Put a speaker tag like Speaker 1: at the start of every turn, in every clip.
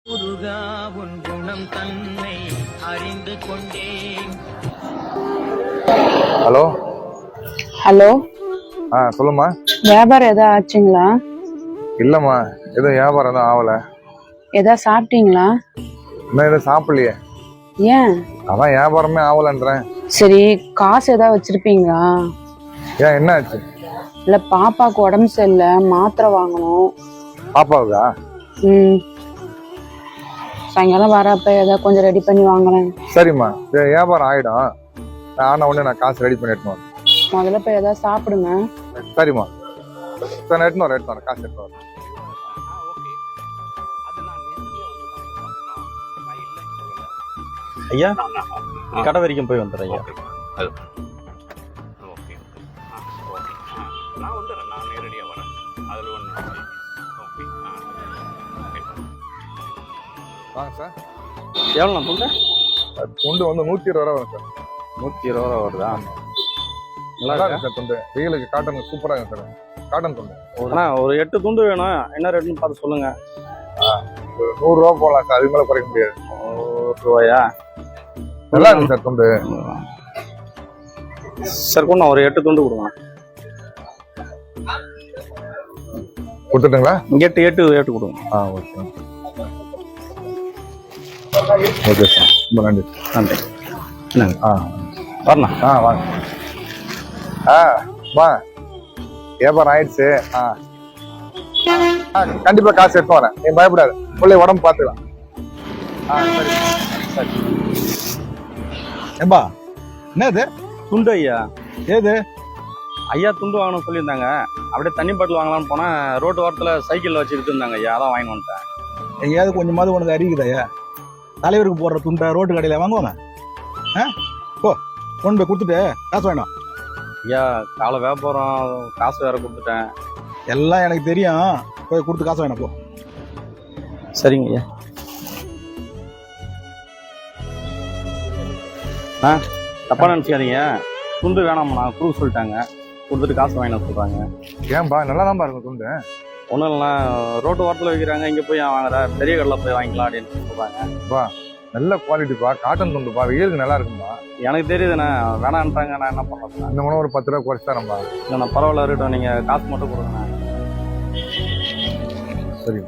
Speaker 1: முருகா உன் குணம் தன்னை அறிந்து கொண்டேன்.
Speaker 2: ஹலோ
Speaker 3: ஹலோ,
Speaker 2: சொல்லுமா.
Speaker 3: வியாபாரம் எதாவது ஆச்சுங்களா?
Speaker 2: இல்லம்மா, எதுவும் வியாபாரம் எதுவும் ஆகல.
Speaker 3: எதாவது சாப்பிட்டீங்களா?
Speaker 2: இன்னும் எதுவும் சாப்பிடலையே.
Speaker 3: ஏன்?
Speaker 2: அதான் வியாபாரமே ஆகலன்றேன்.
Speaker 3: சரி, காசு ஏதாவது வச்சிருப்பீங்களா?
Speaker 2: ஏன், என்ன ஆச்சு?
Speaker 3: இல்ல, பாப்பாக்கு உடம்பு சரியில்லை, மாத்திரை வாங்கணும்.
Speaker 2: பாப்பாவுக்கா?
Speaker 3: சாயங்காலம் வரப்ப ஏதாவது கொஞ்சம் ரெடி பண்ணி வாங்கலாம்.
Speaker 2: சரிம்மா, வியாபாரம் ஆயிடும். ஆனா உடனே நான் காசு ரெடி பண்ணி எடுத்துன்னு வரேன்.
Speaker 3: முதல்ல போய் ஏதாவது சாப்பிடுங்க.
Speaker 2: சரிம்மா, சரி, எடுத்துன்னு வரேன், காசு எடுத்துன்னு வரேன்.
Speaker 4: ஐயா, கடை வரைக்கும் போய் வந்துடுறேன் ஐயா.
Speaker 5: நான் வந்துடுறேன், நான் நேரடியாக வரேன். அதில் ஒன்று. ஓகே.
Speaker 2: வாங்க சார்.
Speaker 4: எவ்வளோ நான் சொல்கிறேன்?
Speaker 2: துண்டு வந்து 120 ரூபா வரும் சார்.
Speaker 4: 120 ரூபா வருதா?
Speaker 2: நல்லா இருக்கு சார் துண்டு. வெயிலுக்கு காட்டன் சூப்பராக இருக்கு சார். காட்டன் துண்டு.
Speaker 4: அண்ணா, ஒரு 8 துண்டு வேணும். என்ன ரேட்டுன்னு பார்த்து சொல்லுங்க.
Speaker 2: 100 ரூபா போகலாம் சார், அதுக்கு மேலே குறைக்க முடியாது.
Speaker 4: 100 ரூபாயா?
Speaker 2: நல்லா இருக்கு சார் துண்டு.
Speaker 4: சார் கொண்டு ஒரு 8 துண்டு கொடுங்க.
Speaker 2: கொடுத்துட்டுங்களா?
Speaker 4: 8 கொடுங்க.
Speaker 2: ஓகே ஓகே சார், ரொம்ப நன்றி.
Speaker 4: நன்றி. என்னங்க? வரணும்.
Speaker 2: வாங்க. வா, வியாபாரம் ஆயிடுச்சு. கண்டிப்பா காசு எடுத்து வரேன், நீ பயப்படாது. பிள்ளை உடம்பு பார்த்துக்கலாம். சரி சரி.
Speaker 6: ஏம்பா, என்னது
Speaker 4: துண்டு ஐயா?
Speaker 6: ஏது
Speaker 4: ஐயா துண்டு வாங்கணும்னு சொல்லியிருந்தாங்க. அப்படியே தண்ணி பாட்டில் வாங்கலாம்னு போனால் ரோட்டு வாரத்தில் சைக்கிளில் வச்சுக்கிட்டு இருந்தாங்க ஐயா, அதான் வாங்கி வந்துட்டேன்.
Speaker 6: எங்கேயாவது கொஞ்சமாவது உனக்கு அறிவிக்குதாயா? தலைவருக்கு போடுற துண்டை ரோட்டு கடையில் வாங்குவாங்க. போ, கொண்டு போய் கொடுத்துட்டு காசு வேணும்.
Speaker 4: ஐயா, காலை வியாபாரம், காசு வேற கொடுத்துட்டேன்.
Speaker 6: எல்லாம் எனக்கு தெரியும், போய் கொடுத்து காசு வேணும். போ.
Speaker 4: சரிங்க ஐயா. தப்பா நினச்சிக்காதீங்க, துண்டு வேணாம்ண்ணா, கொடுக்க சொல்லிட்டாங்க. கொடுத்துட்டு காசு வாங்கின சொல்கிறாங்க.
Speaker 2: ஏன்பா, நல்லா தான் இருக்கும் துண்டு.
Speaker 4: ஒன்றும் இல்லைண்ணா, ரோட்டு வாரத்தில் வைக்கிறாங்க, இங்கே போய் வாங்குற பெரிய கடையில் போய் வாங்கிக்கலாம் அப்படின்னு சொல்கிறாங்க.
Speaker 2: நல்ல குவாலிட்டிப்பா, காட்டன் துண்டுப்பா, வெயிலுக்கு நல்லா இருக்கும்பா.
Speaker 4: எனக்கு தெரியுதுண்ணா, வேணான்ட்டாங்க. நான் என்ன பண்ணுறேன்?
Speaker 2: இந்த மூணு ஒரு 10 ரூபா குறைச்சி தரேன்பா.
Speaker 4: இல்லைண்ணா, பரவாயில்ல இருக்கட்டும், நீங்கள் காசு மட்டும் கொடுங்கண்ணா.
Speaker 2: சரி.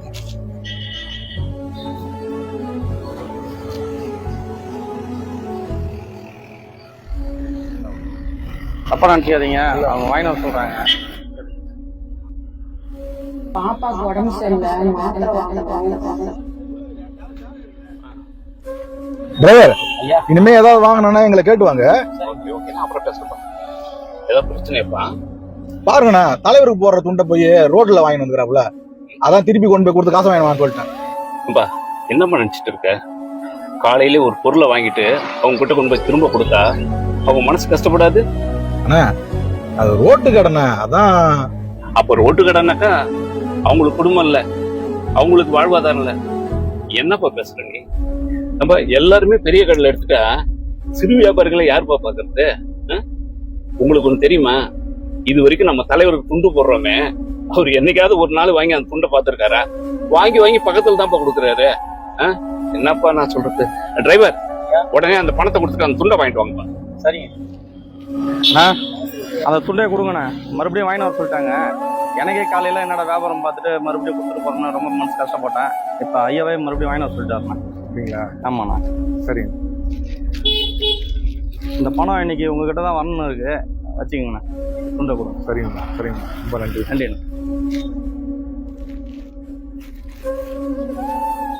Speaker 4: தப்பா நினச்சிக்காதீங்க, அவங்க வாங்கி வர சொல்கிறாங்க.
Speaker 3: பாப்பாக்கு உடம்பு சரியில்லை, மாத்திரை வாங்கணும்.
Speaker 6: டிரைவர், இனிமே ஏதாவது வாங்கினா எங்களை கேட்டுவாங்க.
Speaker 5: ஓகே, நான் அப்புறம் பேசுறேன். ஏதாவது பிரச்சனைப்பா?
Speaker 6: பாருங்கண்ணா, தலைவருக்கு போடுற துண்டை போய் ரோட்ல வாங்கி வந்துக்கிறாப்புல, அதான் திருப்பி கொண்டு போய் கொடுத்து காசு வாங்கினு சொல்லிட்டேன்.
Speaker 5: என்னம்மா நினைச்சிட்டு இருக்க? காலையிலே ஒரு பொருளை வாங்கிட்டு அவங்க கிட்ட கொண்டு போய் திரும்ப கொடுத்தா அவங்க மனசு கஷ்டப்படாது?
Speaker 6: அண்ணா, அது ரோட்டு கடைண்ணா, அதான்.
Speaker 5: அப்ப ரோட்டு கடைனாக்கா அவங்களுக்கு குடும்பம் இல்ல, அவங்களுக்கு வாழ்வாதாரம் இல்ல. என்னப்பா பேசுற நீ? நம்ம எல்லாருமே பெரிய கடையில எடுத்துட்டா சிறு வியாபாரிகளை யாருப்பா பாக்குறது? உங்களுக்கு ஒண்ணு தெரியுமா? இது வரைக்கும் நம்ம தலைவருக்கு துண்டு போடுறோமே, அவர் என்னைக்காவது ஒரு நாள் வாங்கி அந்த துண்டை பார்த்திருக்காரா? வாங்கி வாங்கி பக்கத்துல தான்ப்பா கொடுக்குறாரு. என்னப்பா நான் சொல்றது? டிரைவர், உடனே அந்த பணத்தை கொடுத்துட்டு அந்த துண்டை வாங்கிட்டு வாங்கப்பா.
Speaker 4: சரிங்க அந்த துண்டே கொடுங்கண்ணா. மறுபடியும் வாங்கி வர சொல்லிட்டாங்க. எனக்கே காலையில என்னோட வியாபாரம் பார்த்துட்டு மறுபடியும் கொடுத்துட்டு போறேன்னு ரொம்ப மனசு கஷ்டப்பட்டேன். இப்ப ஐயாவே மறுபடியும் வாங்கி வர சொல்லிட்டாருண்ணா.
Speaker 2: அப்படிங்களா?
Speaker 4: ஆமாண்ணா.
Speaker 2: சரி,
Speaker 4: இந்த பணம் இன்னைக்கு உங்ககிட்ட தான் வரணும் இருக்கு, வச்சுக்கோங்கண்ணா. துண்டை கொடுங்க.
Speaker 2: சரிங்கண்ணா. சரிங்கண்ணா, ரொம்ப நன்றி.
Speaker 4: நன்றிண்ணா.